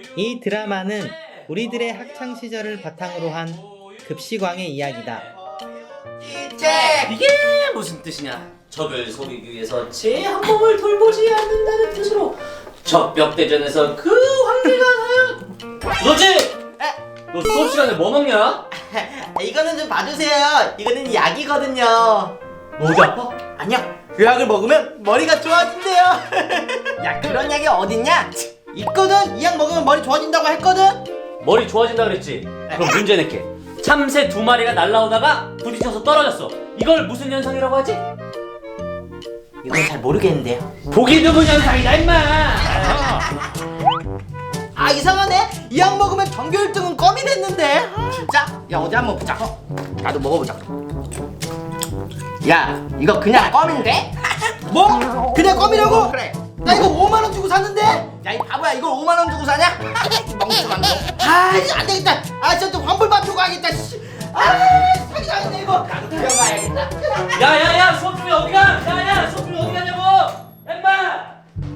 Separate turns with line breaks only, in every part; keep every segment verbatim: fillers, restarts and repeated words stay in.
이 드라마는 우리들의 학창 시절을 바탕으로 한 급식왕의 이야기다.
이게 무슨 뜻이냐? 적을 속이기 위해서 제 한 몸을 돌보지 않는다는 뜻으로 적벽대전에서 그 황제가 너지? 너 수업 시간에 뭐 먹냐?
이거는 좀 봐주세요. 이거는 약이거든요.
너 어디 아파?
아니요, 그 약을 먹으면 머리가 좋아진대요. 야, 그런 약이 어딨냐? 있거든. 이 약 먹으면 머리 좋아진다고 했거든.
머리 좋아진다 그랬지? 그럼 문제 낼게. 참새 두 마리가 날라오다가 부딪혀서 떨어졌어. 이걸 무슨 현상이라고 하지?
이건 잘 모르겠는데요.
보기 드문 현상이다 임마.
아, 이상하네. 이 약 먹으면 전교 일 등은 껌이 됐는데. 진짜? 야, 어디 한번 보자. 나도 먹어보자. 야, 이거 그냥 껌인데? 뭐? 그냥 껌이라고? 그래. 나 이거 오만 원 주고 샀는데? 야, 이 바보야, 이걸 오만 원 주고 사냐? 멍청한 거. 아, 이거 안 되겠다. 아, 진짜 환불 받고 가야겠다. 씨. 아, 사기 당했네 이거. 나도 들어가야겠다.
야야야 수업 중에 어디 가? 야야 수업 중에 어디 가냐고? 엠마.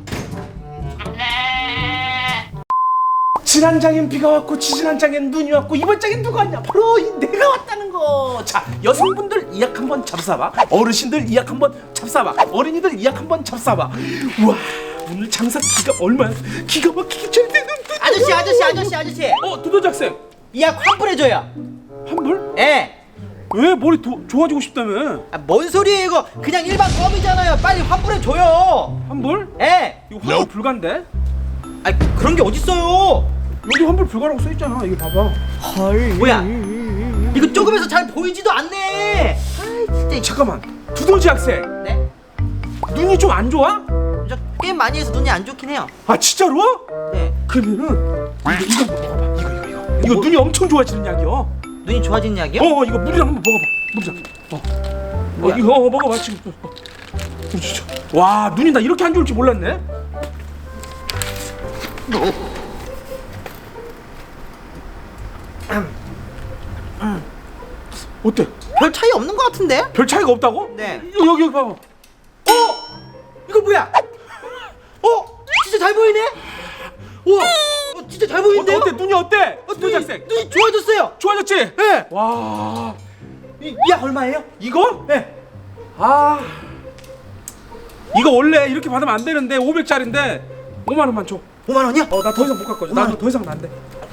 지난 장엔 비가 왔고 지지난 장엔 눈이 왔고 이번 장엔 누가 왔냐? 바로 이 내가 왔다는 거. 자, 여성분들 이 약 한번 잡숴봐. 어르신들 이 약 한번 잡숴봐. 어린이들 이 약 한번 잡숴봐. 우와, 오늘 장사 기가 얼마야? 기가 막히게 잘 되는.
아저씨, 아저씨, 아저씨, 아저씨.
어, 두더지 학생.
이 약 환불해줘요.
환불?
예.
왜 머리 도, 좋아지고 싶다며?
아, 뭔 소리예요 이거? 그냥 일반 껌이잖아요. 빨리 환불해줘요.
환불?
예.
이거 환불 불가인데?
아, 그런 게 어딨어요?
여기 환불 불가라고 써있잖아. 이거 봐봐.
헐. 뭐야? 이거 조금해서 잘 보이지도 않네. 아이, 진짜.
잠깐만, 두더지 학생.
네?
눈이 좀 안 좋아?
저 게임 많이 해서 눈이 안 좋긴 해요.
아, 진짜로?
네.
그러면은 이거 이거 먹어봐. 이거 이거 이거. 이거 눈이 엄청 좋아지는 약이야.
눈이 좋아진 약이요?
어, 이거 물이랑 한번 먹어봐. 물이랑. 어. 어,
뭐야?
이거 어, 먹어봐 지금. 어. 어, 진짜. 와, 눈이 나 이렇게 안 좋을 줄 몰랐네. 어때?
별 차이 없는 것 같은데?
별 차이가 없다고?
네.
이거 여기 여기 봐봐.
어? 이거 뭐야? 어? 진짜 잘 보이네? 우와. 어, 진짜 잘 보이는데요?
어때? 눈이 어때?
어,
두더지
눈이,
학생.
눈이 좋아졌어요.
좋아졌지?
네.
와.
이 약 얼마예요?
이거?
네.
아. 이거 원래 이렇게 받으면 안 되는데 오백짜리인데 오만 원만 줘.
오만 원이요?
어, 나 더 이상 못 갖고 줘. 나더 이상 안 돼.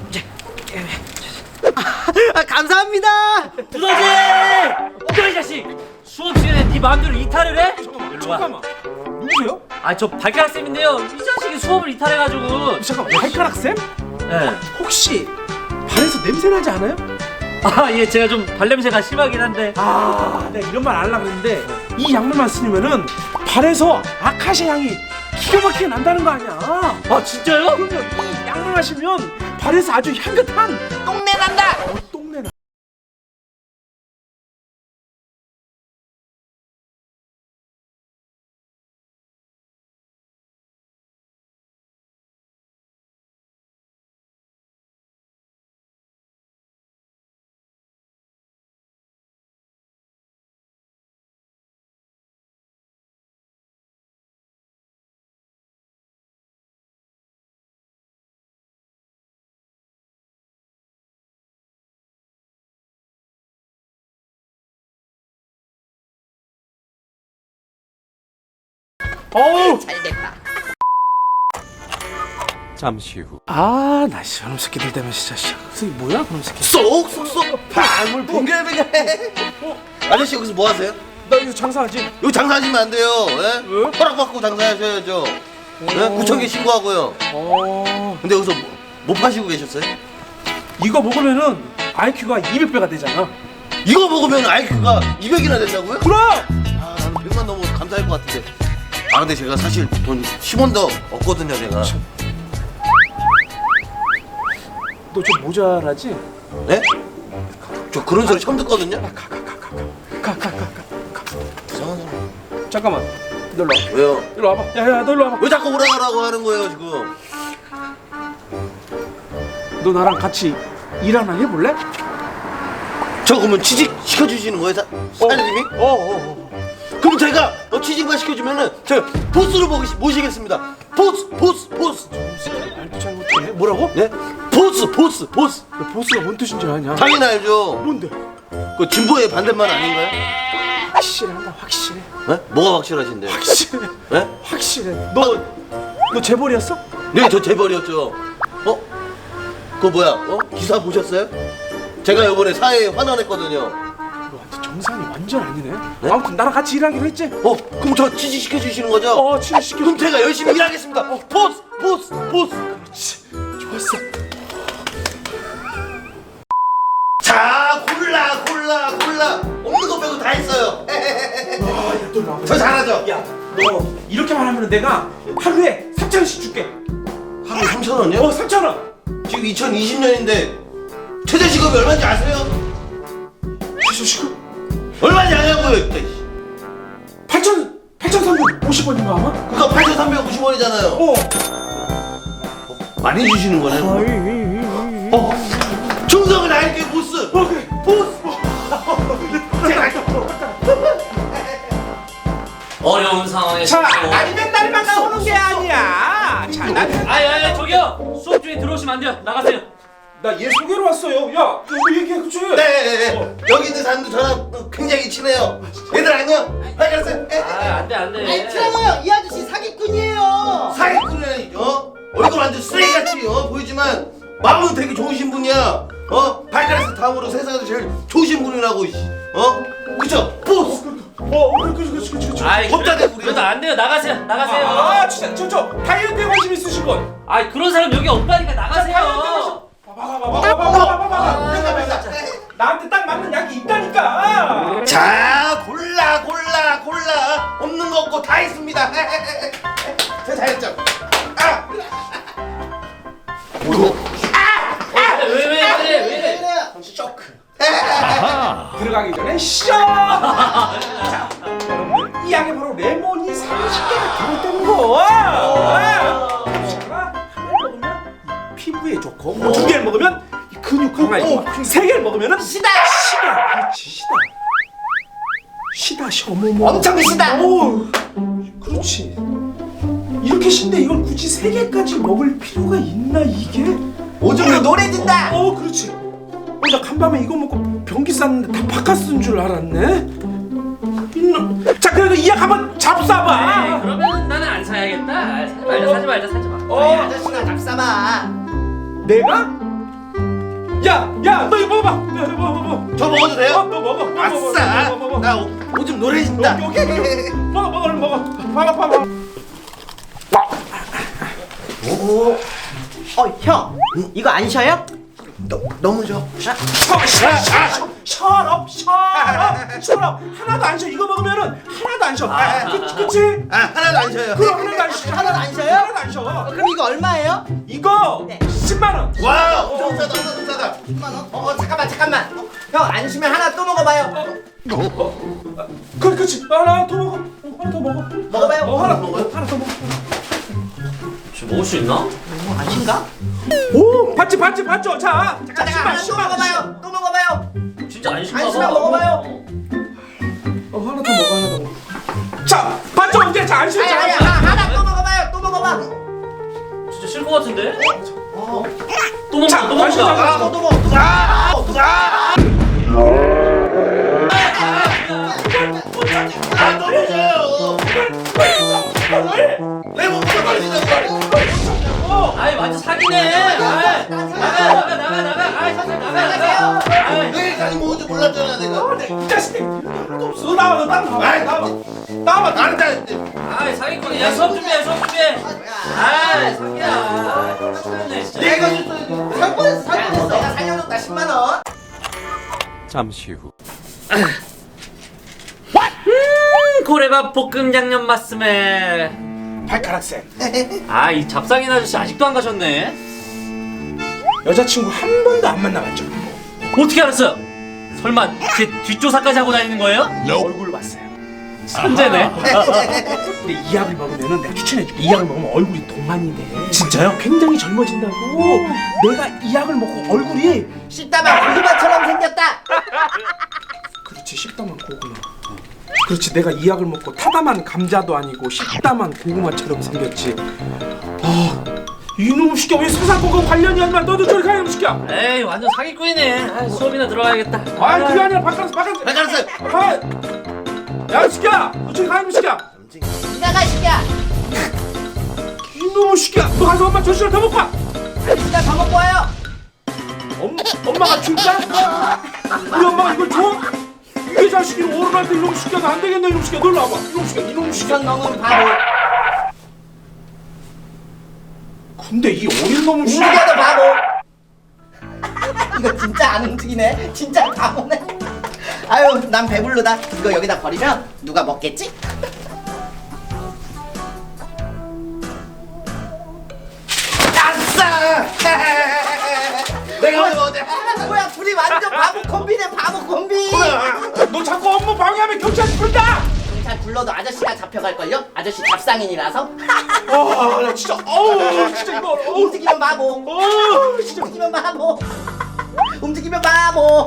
아, 감사합니다.
두더지! 너이 자식! 수업 시간에 네 마음대로 이탈을 해?
잠깐만.
일로 와.
잠깐만. 누구세요?
아 저 발가락 쌤인데요. 이 자식이 수업을 이탈해가지고.
잠깐만. 발가락 쌤?
네.
혹시 발에서 냄새 나지 않아요?
아 예, 제가 좀 발냄새가 심하긴 한데.
아, 내가 이런 말 안 하려고 했는데 이 약물만 쓰면은 발에서 아카시아 향이 기가 막히게 난다는 거 아니야?
아 진짜요?
그럼요. 이 약물 마시면 발에서 아주 향긋한
똥내 난다.
어, 똥내 나. 어우.
잘 됐다.
잠시 후.
아, 나 저놈 새끼들 때문에 진짜 씨. 이게 뭐야, 그놈 새끼?
쏙쏙쏙 방울 붕괴뱅괴. 아저씨 여기서 뭐 하세요?
나 이거 장사하지.
여기 장사하시면 안 돼요. 예?
왜?
허락받고 장사하셔야죠. 예? 구청에 신고하고요.
어.
근데 여기서 뭐, 뭐 파시고 계셨어요?
이거 먹으면은 아이큐가 이백 배가 되잖아.
이거 먹으면 아이큐가 이백이나 된다고요?
그럼!
아, 나는 백만 넘어도 감사할 것 같은데. 아, 근데 제가 사실 돈 십 원도 없거든요, 제가.
너 좀 모자라지?
네? 저 그런 소리 처음 듣거든요.
가, 가, 가, 가, 가, 가, 가, 가, 가.
이상한 사람.
잠깐만. 너 일로 와.
왜요?
일로 와봐. 야, 야, 너 일로 와봐.
왜 자꾸 오라가라고 하는 거예요, 지금?
너 나랑 같이 일 하나 해볼래?
저 그러면 취직 시켜주시는 거예요, 사, 사장님이?
어, 어, 어.
그럼 제가 어, 취직만 시켜주면은 제가 보스로 모시, 모시겠습니다. 보스 보스 보스.
말도 잘 못해. 뭐라고?
네? 보스 보스 보스.
야, 보스가 뭔 뜻인 줄 아냐?
당연히 알죠.
뭔데?
그 진보의 반대말 아닌가요?
확실해, 나 확실해.
네? 뭐가 확실하신데?
확실해.
네?
확실해. 너, 너 재벌이었어?
네, 저 재벌이었죠. 어? 그거 뭐야? 어? 기사 보셨어요? 제가 이번에 사회에 환원했거든요.
너 완전 정상이 완전 아니네.
네?
아무튼 나랑 같이 일하기로 했지?
어? 그럼 저 취직시켜 주시는 거죠?
어, 취직시켜.
그럼 제가 열심히 일하겠습니다. 어, 보스 보스 보스.
좋았어.
자, 골라 골라 골라. 없는 거 빼고 다 했어요.
아, 야, 너 나.
저 잘하죠?
야, 너 이렇게만 하면 내가 하루에 삼천 원씩 줄게.
하루에 삼천 원이요?
어, 삼천 원.
지금 이천이십 년인데 최저 시급이 얼마인지 아세요?
최저 시급
얼마인지 아냐고요?
팔천 팔천삼백오십 원인가 아마?
그거 팔천삼백오십 원이잖아요.
어.
많이 주시는 거네. 어, 충성을 다할게 보스.
어, 그래.
보스. 제가 할게요.
어려운 상황에서.
자, 날이 맨날만 나오는 게 아니야. 자, 나,
아이 아이 저기요. 수업 중에 들어오시면 안 돼요. 나가세요.
나 얘 소개로 왔어요. 야, 너 얘기해, 그치?
네,
어.
여기 있는 사람도 저랑 굉장히 친해요. 얘들 안녕. 발견했어요.
아 안돼 안돼.
아이 틀어요. 이 아저씨 사기꾼이에요.
사기꾼이라니죠. 얼굴 완전 쓰레기같이 어, 보이지만 마음은 되게 좋으신 분이야. 어, 발가락에서 다음으로 세상에서 제일 좋으신 분이라고. 씨. 어, 그쵸? 보스.
어, 그래, 그래, 그래, 그래, 그래.
아이
겁다 대고 우리.
그래도 안 돼요. 나가세요. 나가세요.
아, 진짜, 저, 저, 다이어트에 관심 있으신 분.
아이 그런 사람 여기 없다니까 나가세요.
봐봐, 봐봐, 봐봐, 봐봐, 봐봐.
맨날 맨날.
나한테 딱 맞는 약이 있다니까.
자, 골라 골라 골라. 없는 거 없고 다 있습니다. 저 잘했죠? 아.
왜왜 왜 그래 왜 이래?
쇼크.
들어가기 전에 쇼! 자, 여러분들, 이 약에 바로 레몬이 삼십 개가 들어있다는 거. 자, 하나를 먹으면 피부에 좋고, 뭐 두 개를 먹으면 이 근육 강화에 좋고, 세 개를 먹으면은 시다! 시다! 그렇지, 시다. 시다, 시, 어머머.
엄청 시다.
오, 그렇지. 이렇게 신데 이걸 굳이 세 개까지 먹을 필요가 있나, 이게?
오줌으로 노래 듣다.
어, 그렇지. 어, 나 간밤에 이거 먹고 변기 쌌는데 다 바카스인 줄 알았네. 이놈. 자, 그래도 이 약 한번 잡숴봐.
에이, 그러면 나는 안 사야겠다. 사지 말자 사지 말자 사지 마.
아이
어,
아저씨나 잡숴봐.
내가? 야, 야, 너 이거 먹어봐. 야, 너 먹어, 먹어.
저 먹어도 돼요?
어, 너 먹어. 너
아싸.
먹어, 먹어, 먹어.
나 오줌 노래진다.
여기, 여기, 여기. 먹어, 먹어, 얼른 먹어. 봐봐, 봐봐.
어 형, 이거 안 쉬어요?
너, 너무 좋아.
셔, 셔, 셔, 셔럽, 셔럽, 셔럽. 하나도 안 쉬어. 이거 먹으면은 하나도 안 쉬어. 그치, 그치?
아, 하나도 안 쉬어요.
그럼 하나도 안 쉬어.
하나도 안 쉬어요?
하나도 안 쉬어.
그럼 이거 얼마예요?
이거
네.
십만 원.
와, 엄청 싸다, 엄청 싸다.
십만 원? 어, 어 잠깐만 잠깐만. 어, 형 안 쉬면 하나 또 먹어봐요.
그래, 그렇지. 하나 더 먹어. 어, 하나 더 먹어.
먹어봐요.
어, 하나 더 먹어. 하나 더 먹어.
저 먹을 수 있나?
뭐 아닌가?
오, 봤지, 봤지, 봤죠. 자,
잠깐 잠깐 하나 또 먹어봐요. 또 먹어봐요.
진짜 안 신나
안
봐.
신나 먹어봐요.
어, 하나 더 먹어, 하나 더 먹어. 자, 봤죠? 이제 자, 안 쉬어.
아니 아니
자,
하나, 하나 또 먹어봐요. 또 먹어봐.
진짜 싫을 것 같은데?
어.
또 먹자
자,
또
다시
먹자.
자,
또 또 먹어. 또 먹어.
아, 너무 좋아요. 레몬 먹어 떨어진다고.
아이 완전 사기네. 아이, 나가 나가 나가 나가. 아이 사실 나가 나가. 아이.
내일까지 먹을 줄 몰랐잖아, 내가.
이 자식들 하나도 없어. 나와, 너 나와, 나와,
아이,
나와, 나와.
안 돼.
아이 사기꾼이야. 수업 준비해 수업 준비해. 아이 사기야. 사기네 진짜.
내가 줬어.
살 뻔했어. 살 뻔했어. 내가 살려줬다 십만 원.
음, 고래밥 볶음 양념 맛스멜.
발가락 쌤.
아 이 잡상인 아저씨 아직도 안 가셨네.
여자친구 한 번도 안 만나봤죠.
어떻게 알았어요? 설마 제 뒷조사까지 하고 다니는 거예요?
얼굴 봤어요.
천재네.
근데 이 약을 먹으면은 내가 추천해줄게. 이 약을 먹으면 얼굴이 동안이 돼. 진짜요? 굉장히 젊어진다고. 내가 이 약을 먹고 얼굴이
씹다만 고구마처럼 생겼다.
그렇지, 씹다만 고구마. 그렇지, 내가 이 약을 먹고 타담한 감자도 아니고 식담한 고구마처럼 생겼지. 아, 이놈 시켜 왜 수사권과 관련이 안 나? 너도 저리 가, 이놈 시켜.
에이 완전 사기꾼이네. 아, 수업이나 들어가야겠다.
아, 그게 아니라 바깥에서 바깥에서.
발가락살.
아, 야, 시켜. 너 저리 가, 이놈 시켜.
나가 시키야.
이놈 시켜. 너 가서 엄마 조시를 더 먹고 와.
아저씨가 더 먹고 와요.
엄마, 엄마가 줄까? 우리 엄마가 이걸 줘? 이게 자식이 어른한테 이놈 시켜서 안 되겠네. 이놈 시켜. 놀러 와봐. 이놈 시켜. 이놈 시켜.
이건 너무 바보.
근데 이 어린 놈을 시켜.
움직여도 바보. 이거 진짜 안 움직이네. 진짜 바보네. 아유, 난 배불르다. 이거 여기다 버리면 누가 먹겠지?
아싸! 내가 오늘 어제
아, 뭐야, 둘이 완전 바보 콤비네, 바보 콤비.
너 자꾸 업무 방해하면 경찰 부른다.
경찰 불러도 아저씨가 잡혀갈걸요? 아저씨 잡상인이라서.
아, 나 진짜, 어우, 진짜 이거, 어우,
움직이면 바보.
어우, 진짜.
움직이면 바보. 움직이면 바보.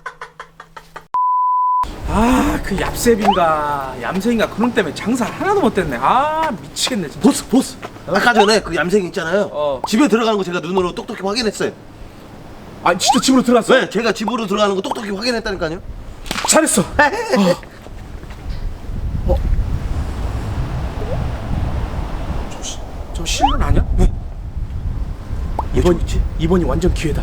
아, 그 얍셉인가, 얌생인가 그놈 때문에 장사 하나도 못 됐네. 아, 미치겠네 진짜.
보스 보스. 아까 전에 그 얌생 있잖아요.
어.
집에 들어가는 거 제가 눈으로 똑똑히 확인했어요.
아, 진짜 집으로 들어갔어?
네, 제가 집으로 들어가는 거 똑똑히 확인했다니까요.
잘했어. 어. 어. 저, 시- 저 실론 아니야? 네. 이번 이번이 완전 기회다.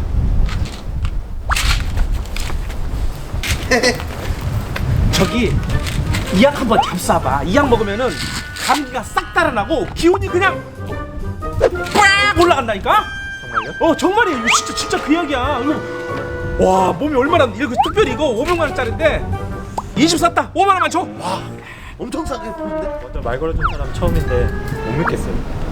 저기 이 약 한번 잡숴봐. 이 약 먹으면은 감기가 싹 달아나고 기운이 그냥 빡 올라간다니까. 정말요? 어, 정말이에요. 이거 진짜 진짜 그 약이야. 이거 와, 몸이 얼마나 이거 특별히 이거 오백만 원짜리인데 이십 샀다. 오만 원만 줘. 와,
엄청 싸게 보는데.
먼저 말 걸어준 사람 처음인데 못 믿겠어요.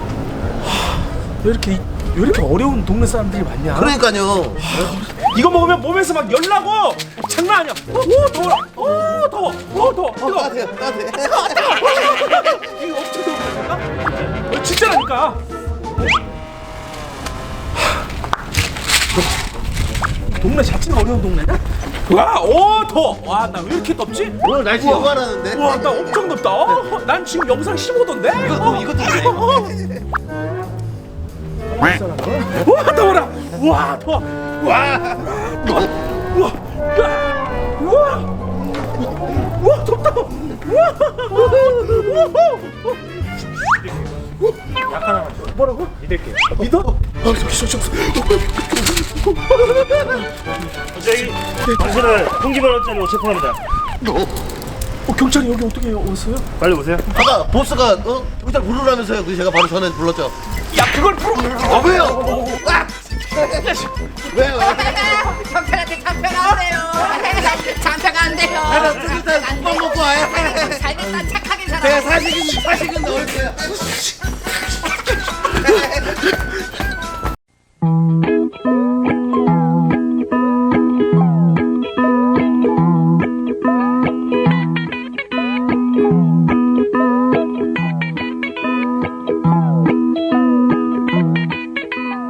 왜 이렇게 왜 이렇게 어려운 동네 사람들이 많냐?
그러니까요.
이거 먹으면 몸에서 막 열나고 장난 아니야. 오, 더워. 오, 더워. 오, 더워.
어,
이거
따뜻해, 따뜻해.
이거 엄청 더워. 어, 진짜라니까. 동네 자체가 어려운 동네냐? 와, 오, 더워. 와, 나 왜 이렇게 덥지?
오늘 날씨
우와.
영화라는데.
와, 나 엄청 덥다. 어, 난 지금 영상 십오 도인데.
이거 이것도 그래.
와, 더워라. 와, 더워. 와, 우와, 우와, 우와, 우와, 덥다. 우와,
약 하나만 줘.
뭐라고?
믿을게요.
믿어? 아, 저기, 저기, 저기.
저기 당신을 통기만 원짜리 체포합니다.
어, 경찰이 여기 어떻게 왔어요?
빨리 오세요.
아까 보스가 어 일단 부르라면서요. 그래서 제가 바로 전에 불렀죠.
야, 그걸 풀어.
아 왜요? 아! 왜요?
경찰한테 잡혀가세요. 잡혀간대요.
나는 일단 국밥 먹고 와요.
잘됐다, 착하게 살아.
제가 사식은 사식은 넣을게요.